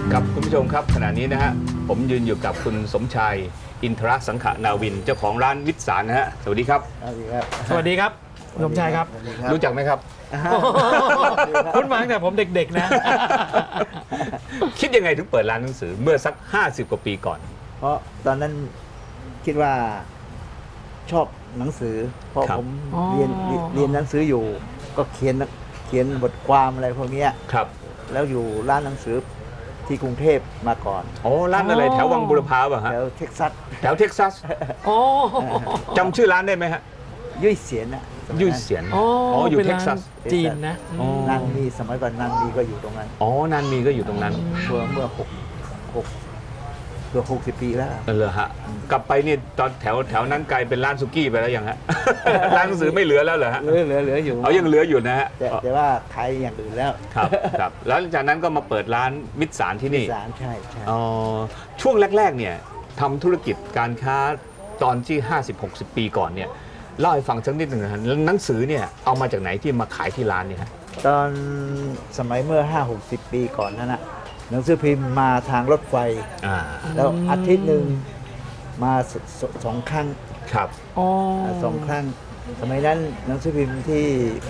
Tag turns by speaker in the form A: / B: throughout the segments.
A: ครับคุณผู้ชมครับขณะนี้นะฮะผมยืนอยู่กับคุณสมชายอินทรสังขนาวินเจ้าของร้านวิสารนะฮะสวัสดีครับ
B: สวัสดีครับ
C: สวัสดีครับสมชายครับ
A: รู้จักไหมครับ
C: คุณมาตั้งแต่ผมเด็กๆนะ
A: คิดยังไงถึงเปิดร้านหนังสือเมื่อสัก50 กว่าปีก่อน
B: เพราะตอนนั้นคิดว่าชอบหนังสือเพราะผมเรียนหนังสืออยู่ก็เขียนบทความอะไรพวกนี้
A: ครับ
B: แล้วอยู่ร้านหนังสือที่กรุงเทพมาก่อน
A: อ๋อร้านอะไรแถววังบุรพาป่ะฮะ
B: แถวเท็กซัส
A: จำชื่อร้านได้ไหมฮะ
B: ยุ่ยเสียนนะ
A: ยุ่ยเสียนอ๋ออยู่เท็กซัส
C: จีนนะ
B: นางมีสมัยก่อนนางมีก็อยู่ตรงนั้น
A: อ๋อนางมีก็อยู่ตรงนั้น
B: เมื่อ60 ปีแล้ว
A: เหรอฮะกลับไปนี่ตอนแถวนั้นกลายเป็นร้านสุกี้ไปแล้วยังฮะร้านหนังสือไม่เหลือแล้วเหรอฮะ
B: เหลืออยู่
A: ยังเหลืออยู่นะฮะ
B: แต่ว่าขายอย่างอื่นแล้ว
A: ครับแล้วจากนั้นก็มาเปิดร้านมิตรสารที่นี่
B: มิตรสารใช่
A: อ๋อช่วงแรกๆเนี่ยทำธุรกิจการค้าตอนที่50-60 ปีก่อนเนี่ยเล่าให้ฟังสักนิดหนึ่งนะหนังสือเนี่ยเอามาจากไหนที่มาขายที่ร้านเนี่ยฮะ
B: ตอนสมัยเมื่อ50-60 ปีก่อนนั่นนะหนังสือพิมพ์มาทางรถไฟแล้วอาทิตย์หนึ่งมา2 ครั้ง
A: ครับ
B: 2 ครั้งสมัยนั้นหนังสือพิมพ์ที่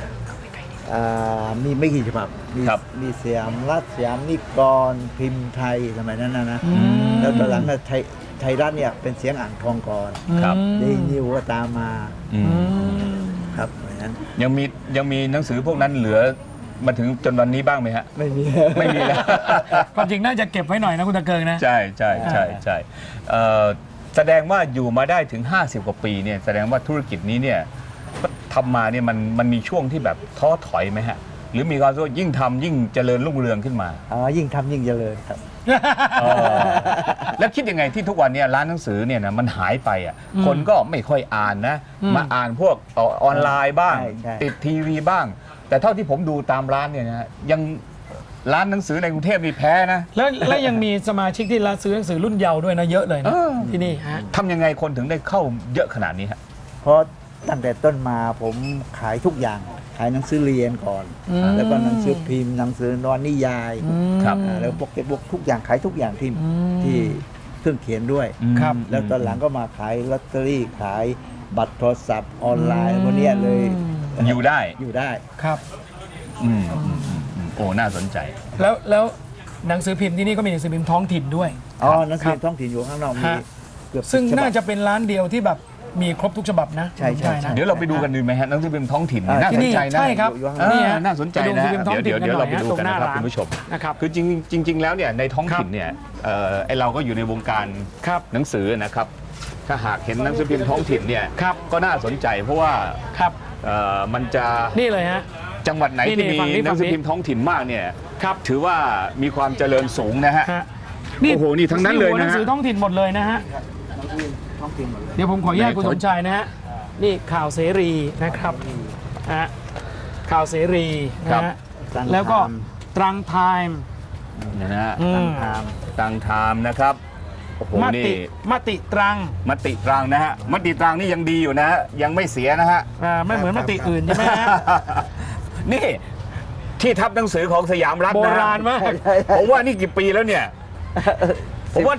B: มีไม่กี่ฉบับมีสยามรัฐสยามนิกรพิมพ์ไทยสมัยนั้นนะแล้วตอนหลังไทยรัฐเนี่ยเป็นเสียงอ่างทองก่อนเดนิวก็ตามมาครับเหมือนนั้น
A: ยังมีหนังสือพวกนั้นเหลือมาถึงจนวันนี้บ้างไหมฮะ
B: ไม่มี
A: แล้ว
C: ความจริงน่าจะเก็บไว้หน่อยนะคุณตะเกิงนะ
A: ใช่แสดงว่าอยู่มาได้ถึง50 กว่าปีเนี่ยแสดงว่าธุรกิจนี้เนี่ยทำมาเนี่ยมันมีช่วงที่แบบท้อถอยไหมฮะหรือมีความรู้สึกยิ่งทำยิ่งเจริญรุ่งเรืองขึ้นมา
B: ยิ่งทำยิ่งเจริญครับ
A: แล้วคิดยังไงที่ทุกวันนี้ร้านหนังสือเนี่ยนะมันหายไปอ่ะคนก็ไม่ค่อยอ่านนะมาอ่านพวกออนไลน์บ้างติดทีวีบ้างแต่เท่าที่ผมดูตามร้านเนี่ยนะยังร้านหนังสือในกรุงเทพมีแพ้นะ
C: แล้วยังมีสมาชิกที่ร้านซื้อหนังสือรุ่นเยาว์ด้วยนะเยอะเลยนะที่นี่ฮะ
A: ทำยังไงคนถึงได้เข้าเยอะขนาดนี้ฮะ
B: เพราะตั้งแต่ต้นมาผมขายทุกอย่างขายหนังสือเรียนก่อนแล้วก็หนังสือพิมพ์หนังสือนวนิยายแล้วพวกเก็บบุ๊กทุกอย่างขายทุกอย่างที่เครื่องเขียนด้วยแล้วตอนหลังก็มาขายลอตเตอรี่ขายบัตรโทรศัพท์ออนไลน์พวกนี้เลย
A: อยู่ได้
C: ครับ
A: โอ้น่าสนใจ
C: แล้วหนังสือพิมพ์ที่นี่ก็มีหนังสือพิมพ์ท้องถิ่นด้วย
B: หนังสือพิมพ์ท้องถิ่นอยู่ข้างนอกมีเกือบ
C: ซึ่งน่าจะเป็นร้านเดียวที่แบบมีครบทุกฉบับนะ
B: ใช่
A: เดี๋ยวเราไปดูกันดีไหมฮะหนังสือพิมพ์ท้องถิ่นน่าสนใจนะ
C: ใช่ครับ
A: นี่น่าสนใจนะเดี๋ยวเราไปดูกันนะครับคุณผู้ชมคือจริงแล้วเนี่ยในท้องถิ่นเนี่ยไอเราก็อยู่ในวงการหนังสือนะครับถ้าหากเห็นหนังสือพิมพ์ท้องถิ่นเนี่ยก็น่าสนใจเพราะว่ามันจะ
C: นี่เลยฮะ
A: จังหวัดไหนที่มีหนังสือพิมพ์ท้องถิ่นมากเนี่ยถือว่ามีความเจริญสูงนะฮะโอ้โหนี่ทั้งนั้นเลยนะ
C: หนังสือท้องถิ่นหมดเลยนะฮะเดี๋ยวผมขออนุญาตคุณสมชายนะฮะนี่ข่าวเสรีนะครับข่าวเสรีนะฮะแล้วก็ตรังไทม์
A: นะฮะตรังไทม์นะครับโอ้โหนี่
C: มติตรัง
A: นะฮะมติตรังนี่ยังดีอยู่นะยังไม่เสียนะฮะ
C: ไม่เหมือนมติอื่นใช่ไหมฮะ
A: นี่ที่ทับหนังสือของสยามรัฐ
C: โบราณมาก
A: ผมว่านี่กี่ปีแล้วเนี่ยผมว่า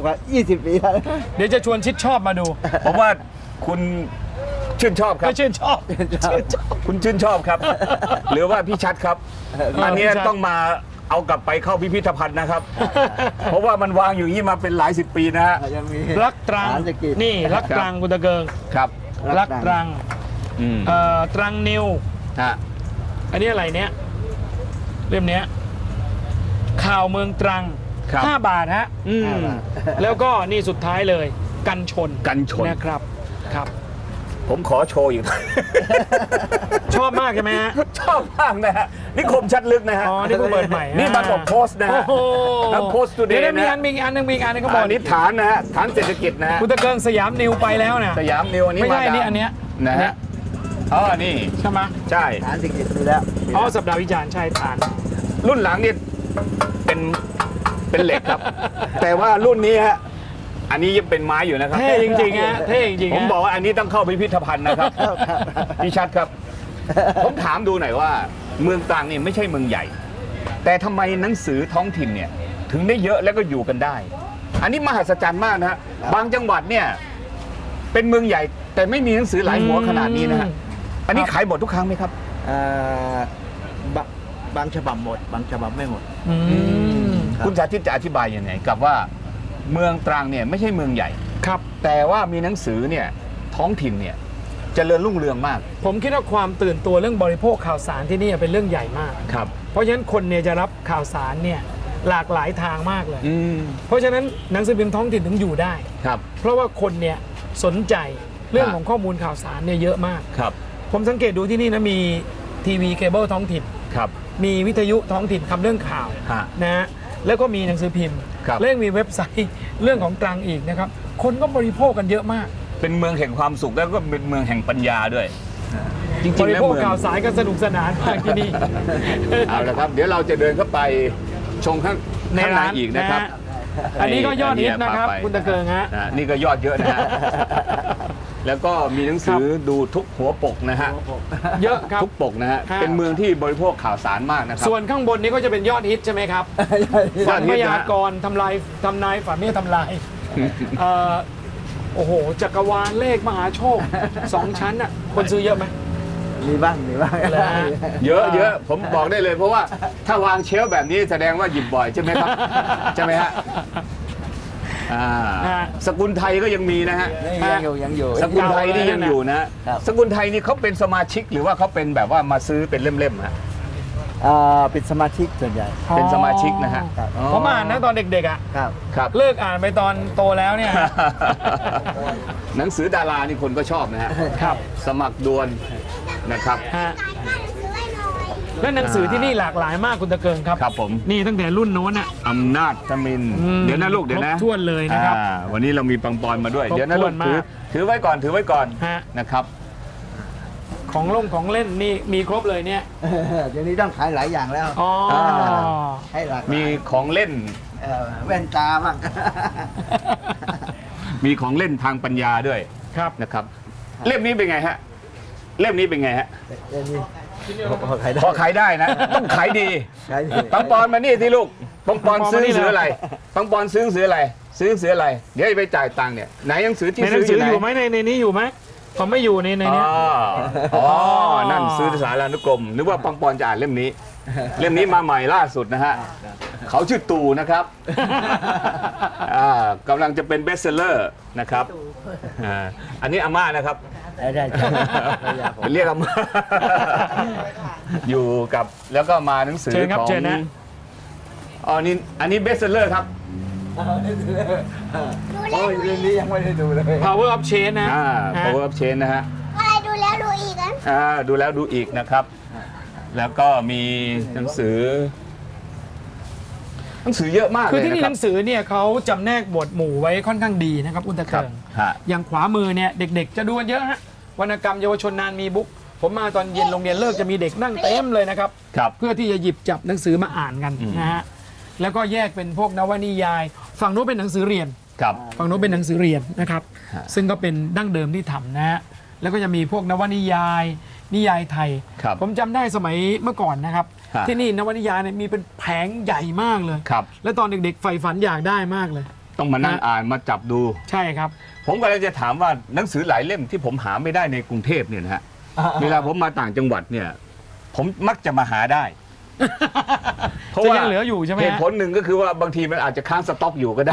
B: 20 ปีแล้ว
C: เดี๋ยวจะชวนชิดชอบมาดู
A: ผมว่าคุณชื่นชอบครับ
C: ชื่นชอบ
A: คุณชื่นชอบครับหรือว่าพี่ชัดครับอันนี้ต้องมาเอากลับไปเข้าพิพิธภัณฑ์นะครับเพราะว่ามันวางอยู่นี่มาเป็นหลาย10 ปีนะฮะ
C: รักตรังนี่รักตรังคุณตะเกิง
A: ครับ
C: รักตรังตรังนิวอันนี้อะไรเนี้ยเล่มเนี้ยข่าวเมืองตรัง5 บาทฮะแล้วก็นี่สุดท้ายเลยกันชนนะครับ
A: ผมขอโชว์อยู่
C: ชอบมากใช่ไหมฮะ
A: ชอบมากนะฮะนี่คมชัดลึกนะฮะ
C: นี่ก็เปิดใหม่
A: นี่บางกอกโพสต์นะฮะโพสต์ตูเดย์
C: มีอันนึงก็บอก
A: นี่ฐานนะฮะฐานเศรษฐกิจนะฮะ
C: คุณตะเกิงสยามนิวไปแล้วนะ
A: สยามนิวอันนี้
C: ไม่ใช่นี่อันเนี้ย
A: นะฮะนี่
C: ใช่ไหม
A: ใช่
B: ฐานเศรษฐกิจมีแล้ว
C: สัปดาห์วิจารณ์ใช่ฐาน
A: รุ่นหลังนี่เป็นเหล็กครับแต่ว่ารุ่นนี้ฮะอันนี้ยังเป็นไม้อยู่นะครับ
C: เท่จริงๆฮะเท่จริงๆ
A: ผมบอกว่าอันนี้ต้องเข้าพิพิธภัณฑ์นะครับพี่ชัดครับผมถามดูหน่อยว่าเมืองตรังนี่ไม่ใช่เมืองใหญ่แต่ทำไมหนังสือท้องถิ่นเนี่ยถึงได้เยอะแล้วก็อยู่กันได้ อันนี้มหัศจรรย์มากนะฮะบางจังหวัดเนี่ยเป็นเมืองใหญ่แต่ไม่มีหนังสือหลายหัวขนาดนี้นะฮะอันนี้ขายหมดทุกครั้งไหมครับ
B: บางฉบับหมดบางฉบับไม่หมด ครับ
A: คุณสาธิตจะอธิบายยังไงกับว่าเมืองตรังเนี่ยไม่ใช่เมืองใหญ่
C: ครับ
A: แต่ว่ามีหนังสือเนี่ยท้องถิ่นเนี่ยเจริญรุ่งเรืองมาก
C: ผมคิดว่าความตื่นตัวเรื่องบริโภคข่าวสารที่นี่เป็นเรื่องใหญ่มาก
A: ครับ
C: เพราะฉะนั้นคนเนี่ยจะรับข่าวสารเนี่ยหลากหลายทางมากเลย
A: อืม
C: เพราะฉะนั้นหนังสือพิมพ์ท้องถิ่นถึงอยู่ได้
A: ครับ
C: เพราะว่าคนเนี่ยสนใจเรื่องของข้อมูลข่าวสารเนี่ยเยอะมาก
A: ครับ
C: ผมสังเกตดูที่นี่นะมีทีวีเคเบิลท้องถิ่น
A: ครับ
C: มีวิทยุท้องถิ่นทำเรื่องข่าว
A: ฮะ
C: นะฮะแล้วก็มีหนังสือพิมพ์
A: ครับ
C: และยังมีเว็บไซต์เรื่องของตรังอีกนะครับคนก็บริโภคกันเยอะมาก
A: เป็นเมืองแห่งความสุขแล้วก็เป็นเมืองแห่งปัญญาด้วย จริ
C: บ
A: งๆ
C: ริ
A: แล้ว
C: โภค
A: เมือง
C: ข่าวสารกันสนุกสนานมากที่นี่
A: เอาละครับ เดี๋ยวเราจะเดินเข้าไปชมข้าง
C: ใน
A: ข้างใน
C: ร้าน
A: อีกนะครับ
C: นะฮะอันนี้ก็ยอดฮิตนะครับ
A: พาไป
C: คุณตะเกิงฮะ
A: นี่ก็ยอดเยอะนะฮะ แล้วก็มีหนังสือดูทุกหัวปกนะฮะ
C: เยอะครับ
A: ทุกปกนะฮะ
C: ฮะ
A: เป็นเมืองที่บริโภคข่าวสารมากนะครับ
C: ส่วนข้างบนนี้ก็จะเป็นยอดฮิตใช่ไหมครับ
A: ย
C: ฝั
A: อด
C: น
A: ฮิ
C: พ
A: ตนะ
C: ยากรณ์ทำนายฝันไม่ทำลายโอ้โหจักรวาลเลขมหาโชค 2 ชั้นอ่ะคนซื้อเยอะไหม
B: มีบ้างมีบ้าง
C: แล้ว
A: เยอะเยอะผมบอกได้เลยเพราะว่าถ้าวางเชลฟ์แบบนี้แสดงว่าหยิบบ่อยใช่ไหมครับ ใช่ไหมฮะสกุลไทยก็ยังมีนะฮะ
B: ยังอยู่
A: สกุลไทยนี่ยังอยู่นะ
B: ครับ
A: สกุลไทยนี่เขาเป็นสมาชิกหรือว่าเขาเป็นแบบว่ามาซื้อเป็นเล่มๆฮะ
B: เป็นสมาชิกส่วนใหญ่
A: เป็นสมาชิกนะฮะ
B: ครับ
C: ผมอ่านนะตอนเด็กๆอ่ะ
B: ครับ
A: ครับ
C: เลิกอ่านไปตอนโตแล้วเนี่ย
A: หนังสือดารานี่คนก็ชอบนะฮะ
C: ครับ
A: สมัครดวลนะครับ
C: ฮะและหนังสือที่นี่หลากหลายมากคุณตะเกิงครับ
A: ครับผม
C: นี่ตั้งแต่รุ่นโน้นอ่ะ
A: อำนาจทมิน
C: อืม
A: เดี๋ยวนะลูกเดี๋ยวนะ
C: ครบถ้วนเลยนะครับ
A: วันนี้เรามีปังปอนมาด้วย
C: ครบ
A: เดี๋ยวนะลู
C: ถ้ว
A: ก
C: นมาก
A: ถือไว้ก่อนถือไว้ก่อน
C: ฮะ
A: นะครับ
C: ของเล่นนี่มีครบเลยเนี่ย
B: เดี๋ยวนี้ต้องขายหลายอย่างแล้ว
C: อ๋อ
B: ให้หลากหลาย
A: มีของเล่น
B: แว่นตาบ้าง
A: มีของเล่นทางปัญญาด้วย
C: ครับ
A: นะครับ เล่มนี้เป็นไงฮะ เล่มนี้เป็นไงฮะ
B: เดี๋ยวนี้พอขายได้
A: พอขายได้นะ ต้องขายดี
B: ขายดี
A: ปังปอนมานี่ที่ลูกปังปอน
C: ปังปอน
A: ซื้อห
C: มานี่
A: นังสือ
C: เลย
A: อะไรปังปอนซื้อหนังสืออะไร ซื้อหนังสืออะไร เดี๋ยวไปจ่ายตังค์เนี่ยไหนหนังสือที่
C: ในหนั
A: ซื้
C: ง
A: ออ
C: สือยู่
A: ไหน
C: อยู่ไหมในนี้อยู่ไหมผมไม่อยู่ในเนี้ย
A: อ๋อนั่นซื้อสารานุกรมนึกว่าปังปอนจะอ่านเล่มนี้ เล่มนี้มาใหม่ล่าสุดนะฮะเขาชื่อตู่นะครับกำลังจะเป็นเบสเซลเลอร์นะครับอันนี้อาม่านะครับ
B: ได้
A: เรียกอาม่า อยู่กับแล้วก็มาหนังสือ
C: เชิญครับ
A: ของ
C: เชิญนะ
A: อ๋อนี่อันนี้เบสเซลเลอร์ครับ
B: โอ้ยเรื่องนี้ยังไม่ได้ดูเลย
C: Power of Change นะ
A: Power of Change นะฮะ
D: อะไรดูแล้วดูอีกนะ
A: ดูแล้วดูอีกนะครับ แล้วก็มีหนังสือเยอะมาก
C: คือ
A: เลย
C: ที่
A: นะ
C: นี่
A: ค
C: ห
A: รับ
C: นังสือเนี่ยเขาจำแนกหมวดหมู่ไว้ค่อนข้างดีนะครับคุณตะ
A: ครั
C: เกิ
A: บ
C: ง
A: ฮะ
C: อย่างขวามือเนี่ยเด็กๆ จะดูกันเยอะฮะวรรณกรรมเยาวชนนานมีบุ๊กผมมาตอนเย็นโรงเรียนเลิกจะมีเด็กนั่งเต็มเลยนะครับ
A: ครับ
C: เพื่อที่จะหยิบจับหนังสือมาอ่านกัน
A: อืม
C: นะฮะแล้วก็แยกเป็นพวกนวนิยาย ฝั่งโน้นเป็นหนังสือเรียน
A: ครับ
C: ฝั่งโน้นเป็นหนังสือเรียนนะครับ
A: ฮะ
C: ซึ่งก็เป็นดั้งเดิมที่ทำนะฮะแล้วก็จะมีพวกนวนิยาย นิยายไทย
A: ครับ
C: ผมจำได้สมัยเมื่อก่อนนะครับ
A: ฮะ
C: ที่นี่นวนิยายเนี่ยมีเป็นแผงใหญ่มากเลย
A: ครับ
C: แล้วตอนเด็กๆใฝ่ฝันอยากได้มากเลย
A: ต้องมานั่ง
C: ฮะ
A: อ่านมาจับดู
C: ใช่ครับ
A: ผมก็เลยจะถามว่าหนังสือหลายเล่มที่ผมหาไม่ได้ในกรุงเทพเนี่ยนะฮะ เวลาผมมาต่างจังหวัดเนี่ย ผมมักจะมาหาได้ เพราะ
C: จะ
A: ว่า
C: ยังเหลืออยู่ใช่ไหม
A: เห
C: ฮะ
A: ตุผลหนึ่งก็คือว่าบางทีมันอาจจะค้างสต็อกอยู่ก็ได้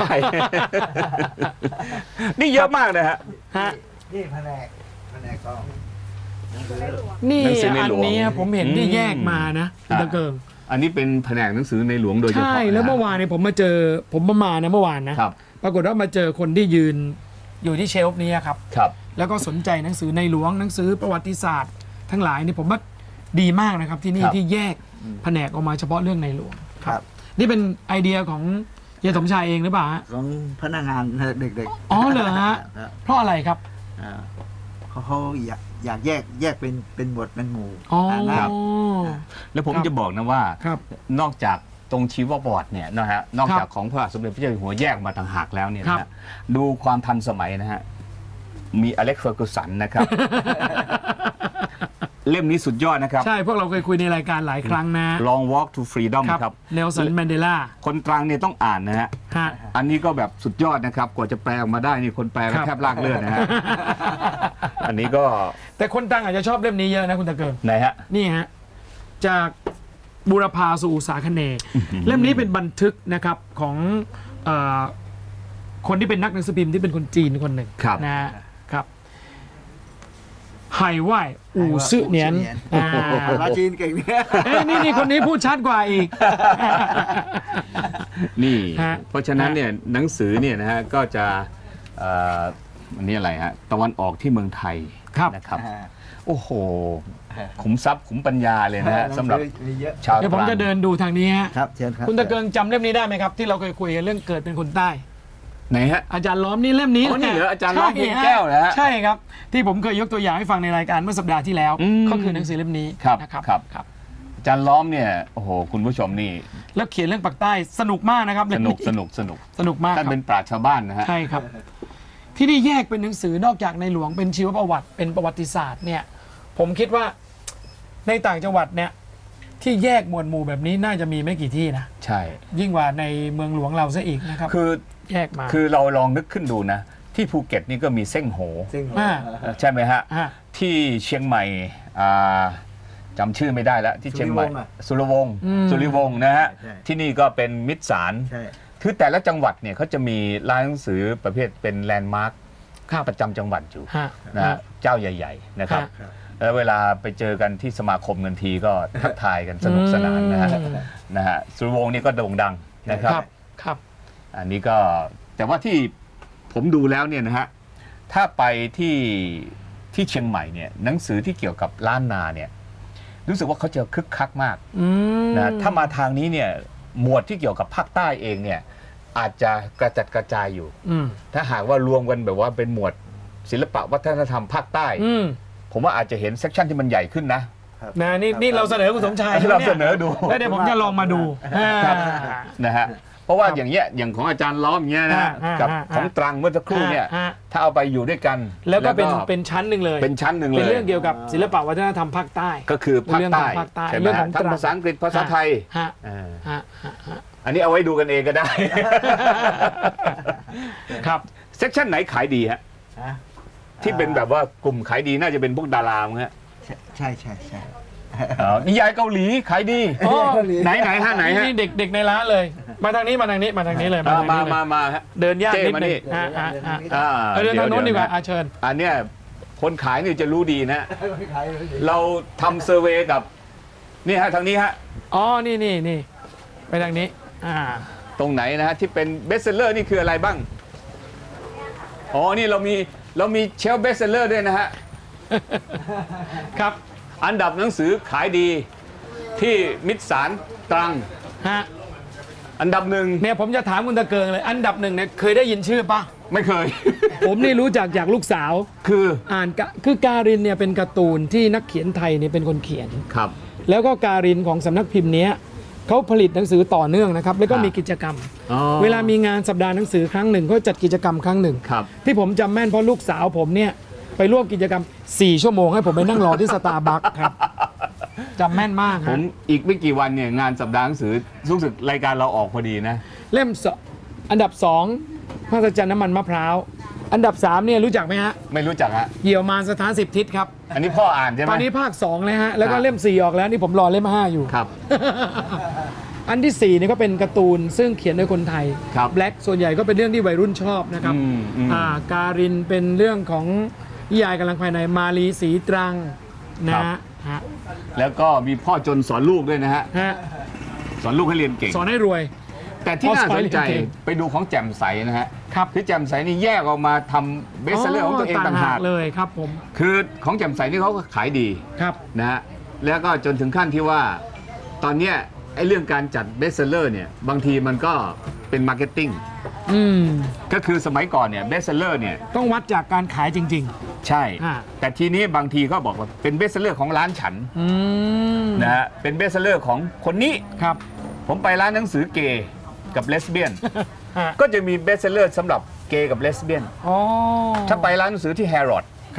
A: นี่เยอะมากนะฮะ
C: ฮะ
B: นี่แผนกก็
C: นี่
A: หนังสือใน
C: อัน
A: หลวง
C: นี้ผมเห็นที่แยกมานะคุณตะเกิง
A: อันนี้เป็นแผนกหนังสือในหลวงโดยเฉพาะ
C: ใช่แล้วเมื่อวานเนี่ยผมมาเจอผมมานะเมื่อวานนะครับ ปรากฏว่ามาเจอคนที่ยืนอยู่ที่เชลฟ์นี้ครับ
A: ครับ
C: แล้วก็สนใจหนังสือในหลวงหนังสือประวัติศาสตร์ ทั้งหลายนี่ผมว่าดีมากนะครับที่นี่
A: ครับ
C: ที่แยกแผนกออกมาเฉพาะเรื่องในหลวง
B: ครับ
C: นี่เป็นไอเดียของเฮียสมชายเองหรือเปล่าฮะ
B: ของพนักงานเด็กๆ
C: อ๋อเหรอฮะ
B: ครับ
C: เพราะอะไรครับ
B: เขาอยากแยกเป็นหมวดเป็นหมู่
C: อ๋อ
B: นะครับ
A: แล้วผม
C: ครับ
A: จะบอกนะว่า
C: ครับ
A: นอกจากตรงชีวประวัติเนี่ยนะฮะนอกจากของพระบาทสมเด็จพระเจ้าอยู่หัวแยกมาต่างหากแล้วเนี่ยนะฮะดูความทันสมัยนะฮะมีอเล็กซ์เฟอร์กูสันนะครับเล่มนี้สุดยอดนะครับ
C: ใช่พวกเราเคยคุยในรายการหลายครั้งนะ
A: Long Walk to Freedom ครับ
C: เนลสันแมนเดลา
A: คนตรังเนี่ยต้องอ่านนะฮะ
C: ฮะ
A: อันนี้ก็แบบสุดยอดนะครับ กว่าจะแปลออกมาได้นี่คนแปลก็
C: ครับ
A: แทบลากเลือดนะฮะ อันนี้ก็
C: แต่คนตังอาจจะชอบเล่มนี้เยอะนะคุณตะเกิง
A: ไหนฮะ
C: นี่ฮะจากบูรพาสู่อุษาคเนย์เล่มนี้เป็นบันทึกนะครับของเออคนที่เป็นนักหนังสือพิมพ์ที่เป็นคนจีนคนหนึ่ง
A: ครับ
C: นะฮะครับไห่ไหวอู่ซื่อเนียนอ่า
B: ภาษาจีนเก่งเนี่ย
C: เอ้ยนี่คนนี้พูดชัดกว่าอีก
A: นี่
C: ฮะ
A: เพราะฉะนั้นเนี่ยหนังสือเนี่ยนะฮะก็จะอันนี้อะไรฮะตะวันออกที่เมืองไทย
C: ครับ
A: นะครับ โอ้โห ขุมทรัพย์ขุมปัญญาเลยนะฮะสำหรับ
B: มีเยอะ
A: ชาว
C: เดี๋ยวผม
A: ตรัง
C: จะเดินดูทางนี้ฮะ
B: ครับเชิญครับ
C: คุณตะเกิงจำเล่มนี้ได้ไหมครับ ที่เราเคยคุยกันเรื่องเกิดเป็นคนใต้
A: ไหนฮะ
C: อาจารย์ล้อมนี่เล่มนี้
A: อ๋อนี่เหรออาจารย์ล้อม
C: ใช่
A: วงแก้วเหรอฮะ
C: ใช่ครับ ที่ผมเคยยกตัวอย่างให้ฟังในรายการเมื่อสัปดาห์ที่แล้ว
A: อืม
C: ก็คือหนังสือเล่มนี้
A: ครับ
C: นะครับ
A: ครับ
C: ครับ
A: อาจารย์ล้อมเนี่ยโอ้โหคุณผู้ชมนี่
C: แล้วเขียนเรื่องปากใต้สนุกมากนะครับ
A: ส
C: เล่ม
A: นุกสนุกสนุก
C: สนุกมากค
A: ท่าน
C: รับ
A: เป็นปราชญ์ชาวบ้านนะฮะ
C: ใช่ครับ ที่นี่แยกเป็นหนังสือนอกจากในหลวงเป็นชีวประวัติเป็นประวัติศาสตร์เนี่ยผมคิดว่าในต่างจังหวัดเนี่ยที่แยกหมวดหมู่แบบนี้น่าจะมีไม่กี่ที่นะ
A: ใช่
C: ยิ่งกว่าในเมืองหลวงเราซะอีกนะครับ
A: คือ
C: แยกมา
A: คือเราลองนึกขึ้นดูนะ ที่ภูเก็ตนี่ก็มีเส้งโห
B: ซึ่ง
C: อ่า
A: ใช่ไหมฮะ
C: ฮะ
A: ที่เชียงใหม่จำชื่อไม่ได้แล้วที่เชียงใหม่สุรวงศ์สุริวงศ์นะฮะ
B: ใช่
A: ที่นี่ก็เป็นมิตรสาร
B: ใช่
A: คือแต่ละจังหวัดเนี่ยเขาจะมีร้านหนังสือประเภทเป็นแลนด์มาร์ค
C: ครับ
A: ประจำจังหวัดอยู่
C: ฮะ
A: นะฮะเจ้าใหญ่ ๆ นะครับ
C: ฮะ
A: แล้วเวลาไปเจอกันที่สมาคมกันทีก็ทักทายกันสนุกสนานนะฮะ
C: อืม
A: นะฮะสุรวงศ์นี่ก็โด่งดังนะครับ
C: ครับครับ
A: อันนี้ก็แต่ว่าที่ผมดูแล้วเนี่ยนะฮะถ้าไปที่เชียงใหม่เนี่ยหนังสือที่เกี่ยวกับล้านนาเนี่ยรู้สึกว่าเขาจะคึกคักมาก
C: อืม
A: นะถ้ามาทางนี้เนี่ยหมวดที่เกี่ยวกับภาคใต้เองเนี่ยอาจจะกระจัดกระจายอยู่
C: อืม
A: ถ้าหากว่ารวมกันแบบว่าเป็นหมวดศิลปะวัฒนธรรมภาคใต้
C: อืม
A: ผมว่าอาจจะเห็นเซกชันที่มันใหญ่ขึ้นนะ
C: นะนี่เราเสนอคุณสมชาย
A: เราเสนอดู
C: แล้วเดี๋ยวผมจะลองมาดู
A: ครับ
C: อ่า
A: นะฮะเพราะว่าอย่างเงี้ยอย่างของอาจารย์ล้อมเงี้ยนะ กับของตรังเมื่อสักครู่เนี่ย
C: ฮะ
A: ถ้าเอาไปอยู่ด้วยกัน
C: แล้วก็เป็นชั้นหนึ่งเลย
A: เป็นชั้นหนึ่งเลย
C: เป็นเรื่องเกี่ยวกับศิลปะวัฒนธรรมภาคใต้
A: ก็คือภาคใต้
C: เรื่องของภาคใต้
A: ใช่ไหม
C: เรื่องข
A: ฮะ
C: อง
A: ทั้ง
C: ตรัง
A: ภาษาอังกฤษภาษาไทย
C: ฮะ
A: อ่า
C: ฮะฮะ
A: อันนี้เอาไว้ดูกันเองก็ได้
C: ครับ
A: เซกชันไหนขายดีฮะ
B: ฮะ
A: ที่เป็นแบบว่ากลุ่มขายดีน่าจะเป็นพวกดารามั้งฮะ
B: ใช่ใช่ใช่
A: นิยายเกาหลีขายดี
C: อ๋อ
A: ไหนฮะไหนฮะ
C: นี่เด็กในร้านเลย มาทางนี้เลย
A: อ่า
C: ทงนี้เลย
A: มาฮะ
C: เดินยาก
A: เจ้
C: นิด
A: มา
C: นึ
A: นี่
C: งฮะฮะฮะ
A: อ่า
C: เดินทางโน้นดีกว่า
A: ะ
C: อาเชิญ
A: อันเนี้ยคนขายนี่จะรู้ดีนะ เราทำเซอร์เวย์กับนี่ฮะทางนี้ฮะ
C: อ๋อนี่ไปทางนี้
A: ตรงไหนนะฮะที่เป็นเบสเซลเลอร์นี่คืออะไรบ้าง อ๋อ นี่เรามีเชลฟ์เบสเซลเลอร์ด้วยนะฮะ
C: ครับ
A: อันดับหนังสือขายดีที่มิตรสารตรัง
C: ฮะ
A: อันดับหนึ่ง
C: เนี่ยผมจะถามคุณตะเกิงเลย อันดับหนึ่งเนี่ยเคยได้ยินชื่อปะ
A: ไม่เคย
C: ผมนี่รู้จักจากลูกสาว
A: คือ
C: คือการินเนี่ยเป็นการ์ตูนที่นักเขียนไทยเนี่ยเป็นคนเขียน
A: ครับ
C: แล้วก็การินของสำนักพิมพ์เนี้ยเขาผลิตหนังสือต่อเนื่องนะครับ แล้วก็
A: ครับ
C: มีกิจกรรม
A: อ๋อ
C: เวลามีงานสัปดาห์หนังสือครั้งหนึ่งเขาจัดกิจกรรมครั้งหนึ่ง
A: ครับ
C: ที่ผมจำแม่นเพราะลูกสาวผมเนี่ยไปร่วมกิจกรรม 4 ชั่วโมงให้ผมไปนั่งรอที่สตาร์บัคครับจำแม่นมาก
A: ผ
C: ฮะ
A: มอีกไม่กี่วันเนี่ยงานสัปดาห์หนังสือรู้สึกรายการเราออกพอดีนะ
C: เล่มอันดับ2พระสัจจรรย์น้ำมันมะพร้าวอันดับ3เนี่ยรู้จักไหมฮะ
A: ไม่รู้จักฮะ
C: เหยี่ยวมารสถาน10 ทิศครับ
A: อันนี้พ่ออ่านใช่ไหม
C: ตอนนี้ภาค2เลยฮะแล้วก็
A: ครับ
C: เล่ม4ออกแล้วนี่ผมรอเล่ม5อยู่
A: ครับ
C: อันที่4เนี่ยก็เป็นการ์ตูนซึ่งเขียนโดยคนไทย
A: ครับ
C: แบล็กส่วนใหญ่ก็เป็นเรื่องที่วัยรุ่นชอบนะครับ
A: อืม
C: การินเป็นเรื่องของนิยายกำลังภายในมาลีสีตรังนะฮะ
A: แล้วก็มีพ่อจนสอนลูกด้วยนะฮะ
C: ฮะ
A: สอนลูกให้เรียนเก่ง
C: สอนให้รวย
A: แต่ที่น่าสนใจ
C: พ่อสอนให้เรียนเก่ง
A: ไปดูของแจ่มใสนะฮะ
C: ครับ
A: ที่แจ่มใสนี่แยกออกมาทำเบสเซอร์ของตัวเองต่างหาก
C: เลยครับผม
A: คือของแจ่มใสนี่เขาก็ขายดี
C: ครับ
A: นะฮะแล้วก็จนถึงขั้นที่ว่าตอนเนี้ยไอ้เรื่องการจัดเบสเซอร์เนี่ยบางทีมันก็เป็นมาร์เก็ตติ้ง
C: อืม
A: ก็คือสมัยก่อนเนี่ยเบสเซอร์เนี่ย
C: ต้องวัดจากการขายจริง
A: ใช่
C: อ่า
A: แต่ทีนี้บางทีก็บอกว่าเป็นเบสเซอร์ของร้านฉัน
C: ๆ อืม
A: นะฮะเป็นเบสเซอร์ของคนนี้
C: ครับ
A: ผมไปร้านหนังสือเกย์กับเลสเบี้ยน
C: ฮะ
A: ก็จะมีเบสเซอร์สำหรับเกย์กับเลสเบี้ยน
C: อ๋อ
A: ถ้าไปร้านหนังสือที่แฮร์รอด
C: ครับ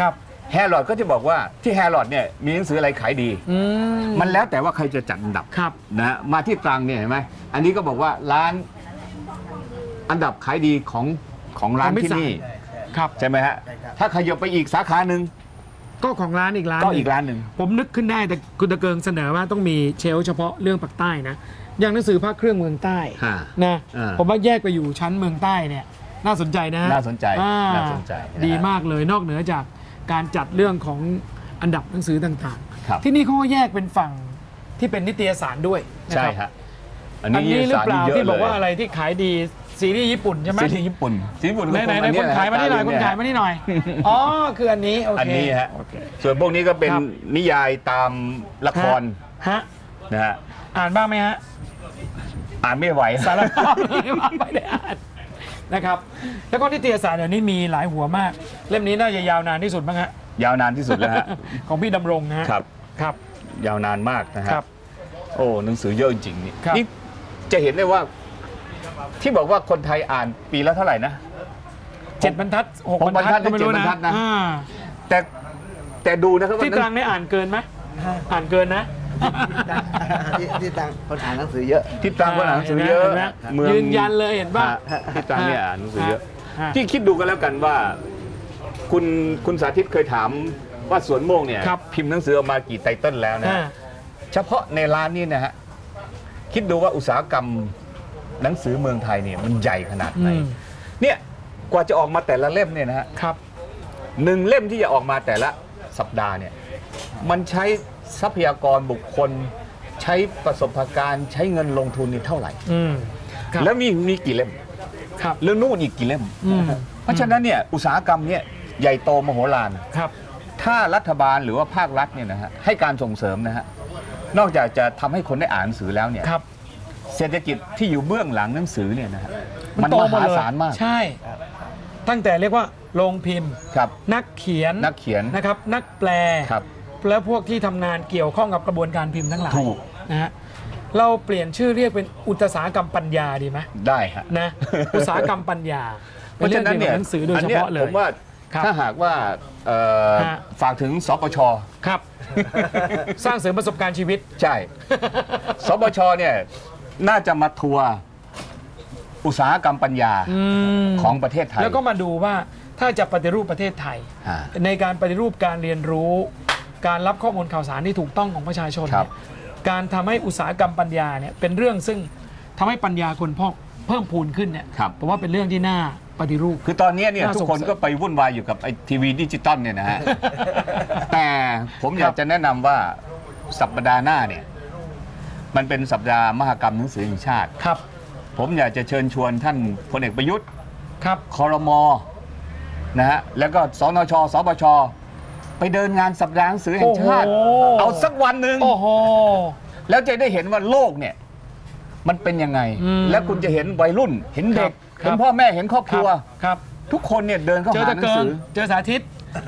A: แฮร์รอดก็จะบอกว่าที่แฮร์รอดเนี่ยมีหนังสืออะไรขายดี มันแล้วแต่ว่าใครจะจัดอันดับ
C: ครับ
A: นะมาที่ตรังเนี่ยเห็นไหมอันนี้ก็บอกว่าร้านอันดับขายดีของร้านที่นี่
C: ครับ
A: ใช่ไหมฮะถ้าขยับไปอีกสาขาหนึ่ง
C: ก็ของร้านอีกร้าน
A: ก็
C: หนึ่ง
A: อีกร้านหนึ่ง
C: ผมนึกขึ้นได้แต่คุณตะเกิงเสนอว่าต้องมีเชลฟ์เฉพาะเรื่องปากใต้นะอย่างหนังสือภาคเครื่องเมืองใต้
A: ฮะ
C: นะ
A: อ่า
C: ผมว่าแยกไปอยู่ชั้นเมืองใต้เนี่ยน่าสนใจนะ
A: น่าสนใจ
C: อ่
A: น่าสนใจนะ
C: ดีมากเลยนอกเหนือจากการจัดเรื่องของอันดับหนังสือต่าง
A: ครับ
C: ๆ ที่นี่เขาก็แยกเป็นฝั่งที่เป็นนิตยสารด้วยนะ
A: ใช่
C: ครับ
A: ฮะ
C: อันนี้หรือเปล่า
A: สยะ
C: ที่บอกว่า
A: เลย
C: อะไรที่ขายดีซีรีส์ญี่ปุ่นใช่ไหม
A: ซีรีส์ญี่ปุ่นซีรีส์ญี่ปุ่นก็
C: ไหน
A: อั
C: คนขายมานี่หน่อยคนขายมานี่หน่อยอ๋อคืออันนี้โอเค
A: อันนี้ฮะ
C: โอเค
A: ส่วนพวกนี้ก็เป็น
C: ครับ
A: นิยายตามละคร
C: ฮะ
A: นะฮะ
C: อ่านบ้างไหมฮะ
A: อ่านไม่ไหว
C: สารภาพเลยว่าไม่ได้อ่านนะครับ แล้วก็นิตยสารเดี๋ยวนี้มีหลายหัวมาก เล่มนี้น่าจะยาวนานที่สุดมั้งฮะ
A: ยาวนานที่สุดแล้วฮะ
C: ของพี่ดำรงนะฮะ
A: ครับ
C: ครับ
A: ยาวนานมากนะฮะ
C: ครับ
A: โอ้หนังสือเยอะจริงๆนี่
C: ครับ
A: นี่จะเห็นได้ว่า ที่บอกว่าคนไทยอ่านปีละเท่าไหร่นะ
C: 7 บรรทัด 6
A: 6
C: บรรทัดก็ไม่รู้
A: บร
C: นะ
A: รทัดนะ
C: อ่า
A: แต่ดูนะครับว่า
C: ที่ตรังได้อ่านเกินไหมอ่านเกินนะ
B: ที่ต่างคนอ่านหนังสือเยอะ
A: ที่ตรังก็อ่านหนังสือเยอะ
C: เห็นไหม
A: เมือง
C: ยืนยันเลยเห็นป่ะ
A: ฮะที่ตรังเนี่ยอ่านหนังสือเยอะ
C: ฮะ
A: ที่คิดดูกันแล้วกันว่า คุณสาธิตเคยถามว่าสวนโมกเนี่ย
C: ครับ
A: พิมพ์หนังสือออกมากี่ไตเติ้ลแล้วนะ
C: อ่า
A: เฉพาะในร้านนี้นะฮะคิดดูว่าอุตสาหกรรมหนังสือเมืองไทยเนี่ยมันใหญ่ขนาดไหน
C: อืม
A: เนี่ยกว่าจะออกมาแต่ละเล่มเนี่ยนะฮะ
C: ครับ
A: หนึ่งเล่มที่จะออกมาแต่ละสัปดาห์เนี่ยมันใช้ทรัพยากรบุคคล ใช้ประสบการณ์ใช้เงินลงทุนนี่เท่าไหร่
C: อืมครับ
A: แล้วมีกี่เล่ม
C: ครับ
A: เรื่องนู่นอีกกี่เล่ม
C: อืม
A: เพราะฉะนั้นเนี่ยอุตสาหกรรมเนี่ยใหญ่โตมโหฬาร
C: ครับ
A: ถ้ารัฐบาลหรือว่าภาครัฐเนี่ยนะฮะให้การส่งเสริมนะฮะนอกจากจะทำให้คนได้อ่านหนังสือแล้วเนี่ย
C: ครับ
A: เศรษฐกิจที่อยู่เบื้องหลังหนังสือเนี่ยนะฮะมัน
C: โต
A: ม
C: หด
A: หา
C: เลย
A: ศาลมาก
C: ใช่ ตั้งแต่เรียกว่าโรงพิมพ์
A: ครับ
C: นักเขียน
A: นักเขียน
C: นะครับ นักแปล
A: ครับ
C: และพวกที่ทำงานเกี่ยวข้องกับกระบวนการพิมพ์ทั้งหลาย
A: ถูก
C: นะฮะเราเปลี่ยนชื่อเรียกเป็นอุตสาหกรรมปัญญาดีไหม
A: ได้ฮะ
C: นะ อุตสาหกรรมปัญญา
A: เพราะฉะนั้นเนี่ย
C: ป็หนังสือโดยเฉพาะเลย
A: ผมว่า
C: ครับ
A: ถ้าหากว่า
C: ฮะ
A: ฝากถึงสปช
C: ครับ สร้างเสริมประสบการณ์ชีวิต
A: ใช่ สปชเนี่ยน่าจะมาทัวร์อุตสาหกรรมปัญญา
C: ม
A: ของประเทศไทย
C: แล้วก็มาดูว่าถ้าจะปฏิรูปประเทศไทย
A: อ่า
C: ในการปฏิรูปการเรียนรู้ การรับข้อมูลข่าวสารที่ถูกต้องของประชาชน
A: ครั
C: เนี่
A: บ
C: ยการทำให้อุตสาหกรรมปัญญาเนี่ยเป็นเรื่องซึ่งทำให้ปัญญาคนพอกเพิ่มพูนขึ้นเนี่ย
A: ครับ
C: ผมว่าเป็นเรื่องที่น่าปฏิรูป
A: คือตอนนี้เนี่ย
C: น่า
A: ทุ
C: ส
A: ก
C: ง
A: คน
C: สัย
A: ก็ไปวุ่นวายอยู่กับไอ้ทีวีดิจิตอลเนี่ยนะฮะ แต่ผมอยากจะแนะนำว่าสัปดาห์หน้าเนี่ยมันเป็นสัปดาห์มหกรรมหนังสือแห่งชาติ
C: ครับ
A: ผมอยากจะเชิญชวนท่านพลเอกประยุทธ์
C: ครับ
A: ครมนะฮะแล้วก็สนชสปชไปเดินงานสัปดาห์หนังสือแห่งชาติ
C: โอ้โห
A: เอาสักวันหนึ่ง
C: โอ้โห
A: แล้วจะได้เห็นว่าโลกเนี่ยมันเป็นยังไง
C: อืม
A: แล้วคุณจะเห็นวัยรุ่น เห็นเด็ก
C: ครับ
A: เห็นพ่อแม่เห็นครอบครัว
C: ครับ
A: ทุกคนเนี่ยเดินเข้า
C: เจอ
A: หา
C: ตะ
A: หนั
C: เกิ
A: ง
C: ง
A: สือ
C: เจอสาธิต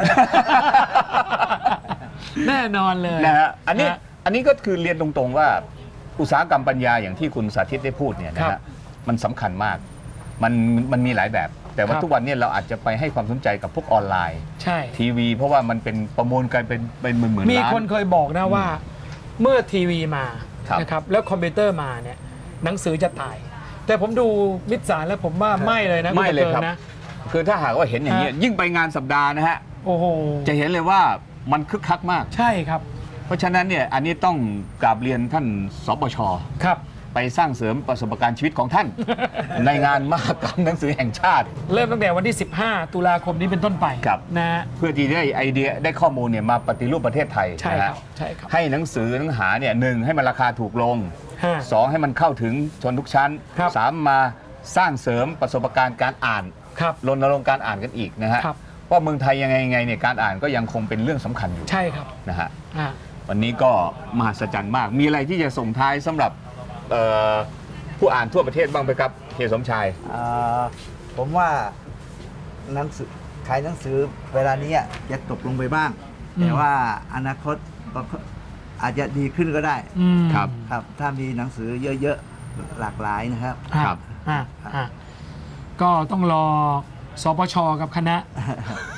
C: แน่นอนเลย
A: นะฮะอันนี้
C: ฮะ
A: อันนี้ก็คือเรียนตรงๆว่าอุตสาหกรรมปัญญาอย่างที่คุณสาธิตได้พูดเนี่ยนะ
C: ครั
A: ฮะ
C: บ
A: มันสำคัญมากมันมีหลายแบบ แต่ว่า
C: ครับ
A: ทุกวันเนี้เราอาจจะไปให้ความสนใจกับพวกออนไลน์
C: ใช่
A: ทีวี เพราะว่ามันเป็นประมูลกันเป็นหมื่นๆ
C: มี
A: ล้าน
C: คนเคยบอกนะว่าเมื่อทีวีมา
A: ครับ
C: นะครับแล้วคอมพิวเตอร์มาเนี่ยหนังสือจะตาย แต่ผมดูมิตรสารแล้วผมว่าไม่เลยนะ
A: ไม่เลย
C: ณ
A: ครับ
C: ตะกิงนะ
A: คือถ้าหากว่าเห็นอย่างนี้ย
C: ฮะ
A: ยิ่งไปงานสัปดาห์นะฮะ
C: โอ้โห
A: จะเห็นเลยว่ามันคึกคักมาก
C: ใช่ครับ
A: เพราะฉะนั้นเนี่ยอันนี้ต้องกราบเรียนท่านสปช
C: ครับ
A: ไปสร้างเสริมประสบการณ์ชีวิตของท่าน ในงานมหกรรมหนังสือแห่งชาติ
C: เริ่มตั้งแต่วันที่ 15 ตุลาคมนี้เป็นต้นไป
A: ครับ
C: นะฮะ
A: เพื่อที่ได้ไอเดียได้ข้อมูลเนี่ยมาปฏิรูปประเทศไทย
C: ใช่
A: นะ
C: ค
A: ฮะ
C: รับใช่ครับ
A: ให้หนังสือหนังหาเนี่ยหนึ่งให้มันราคาถูกลง
C: ฮะ
A: สองให้มันเข้าถึงชนทุกชั้น
C: ครับ
A: สามมาสร้างเสริมประสบการณ์การอ่าน
C: ครับ
A: รณรงค์การอ่านกันอีกนะฮะ
C: ครับ
A: ว่าเมืองไทยยังไงเนี่ยการอ่านก็ยังคงเป็นเรื่องสำคัญอยู่
C: ใช่ครับ
A: นะฮะ
C: อ่า
A: วันนี้ก็มหัศจรรย์มาก มีอะไรที่จะส่งท้ายสำหรับผู้อ่านทั่วประเทศบ้างไหมครับเฮียสมชาย
B: ผมว่าหนังสือขายหนังสือเวลานี้จะตกลงไปบ้าง แต่ว่าอนาคตก็อาจจะดีขึ้นก็ได้
C: อืม
A: ครับ
B: ครับ ถ้ามีหนังสือเยอะๆหลากหลายนะครับ
C: ครับอ่าอ่าก็ต้องรอสปชกับคณะ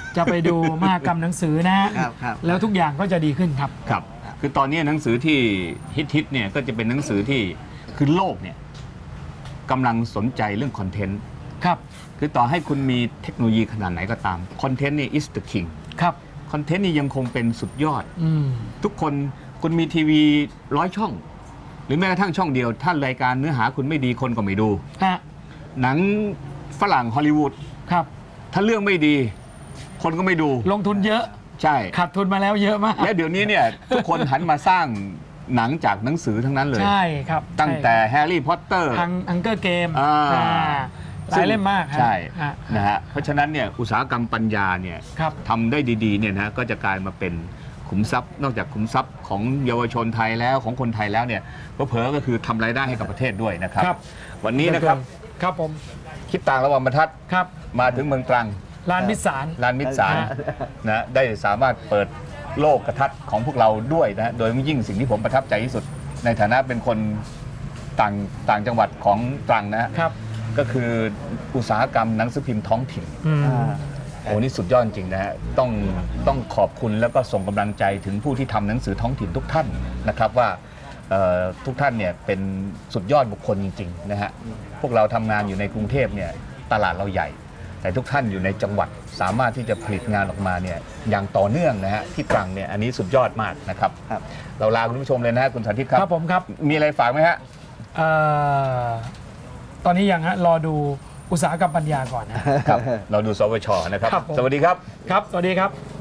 C: จะไปดูมหกรรมหนังสือนะฮะ
B: ครับ
C: แล้วทุกอย่างก็จะดีขึ้นครับ
A: ครับคือตอนนี้หนังสือที่ฮิตเนี่ยก็จะเป็นหนังสือที่คือโลกเนี่ยกำลังสนใจเรื่องคอนเทนต์
C: ครับ
A: คือต่อให้คุณมีเทคโนโลยีขนาดไหนก็ตามคอนเทนต์นี่ is the king
C: ครับ
A: คอนเทนต์นี่ยังคงเป็นสุดยอด
C: อืม
A: ทุกคนคุณมีทีวี100 ช่อง หรือแม้กระทั่งช่องเดียว ถ้ารายการเนื้อหาคุณไม่ดีคนก็ไม่ดู
C: ฮะ
A: หนังฝรั่งฮอลลีวูด
C: ครับ
A: ถ้าเรื่องไม่ดี คนก็ไม่ดู
C: ลงทุนเยอะ
A: ใช่
C: ขาดทุนมาแล้วเยอะมาก
A: และเดี๋ยวนี้เนี่ย ทุกคนหันมาสร้างหนังจากหนังสือทั้งนั้นเลย
C: ใช่ครับ
A: ตั้งแต่แฮร์รี่พอตเตอร์
C: ฮังเกอร์เกม
A: อ่า
C: หลายเล่มมากฮะ
A: ใช่
C: ฮะ
A: นะฮะเพราะฉะนั้นเนี่ยอุตสาหกรรมปัญญาเนี่ย
C: ครับ
A: ทำได้ดีๆเนี่ยนะก็จะกลายมาเป็นขุมทรัพย์ นอกจากขุมทรัพย์ของเยาวชนไทยแล้วของคนไทยแล้วเนี่ยเผลอๆก็คือทำรายได้ให้กับประเทศด้วยนะครับ
C: ครับ
A: วันนี้นะครับ
C: ครับผม
A: คิดต่างระหว่างบรรทัด
C: ครับ
A: มาถึงเมืองตรัง
C: ลานมิตรสาร
A: ลานมิตรสารนะได้สามารถเปิดโลกทัศน์ของพวกเราด้วยนะโดยยิ่งสิ่งที่ผมประทับใจที่สุด ในฐานะเป็นคนต่างจังหวัดของตรังนะฮะ
C: ครับ
A: ก็คืออุตสาหกรรมหนังสือพิมพ์ท้องถิ่น
C: อืม
A: โอ้นี่สุดยอดจริงนะฮะต้องขอบคุณแล้วก็ส่งกำลังใจถึงผู้ที่ทำหนังสือท้องถิ่นทุกท่านนะครับว่าทุกท่านเนี่ยเป็นสุดยอดบุคคลจริงๆนะฮะพวกเราทำงานอยู่ในกรุงเทพเนี่ยตลาดเราใหญ่ แต่ทุกท่านอยู่ในจังหวัดสามารถที่จะผลิตงานออกมาเนี่ยอย่างต่อเนื่องนะฮะที่ตรังเนี่ยอันนี้สุดยอดมากนะครับ
B: ครับ
A: เราลาคุณผู้ชมเลยนะฮะคุณสาธิตครับ
C: ครับผมครับ
A: มีอะไรฝากไหมฮะ
C: ตอนนี้ยังฮะรอดูอุตสาหกรรมปัญญาก่อนนะ
A: ครับเราดูสวชนะครับ
C: ครับผม
A: สวัสดีครับ
C: ครับ สวัสดีครับ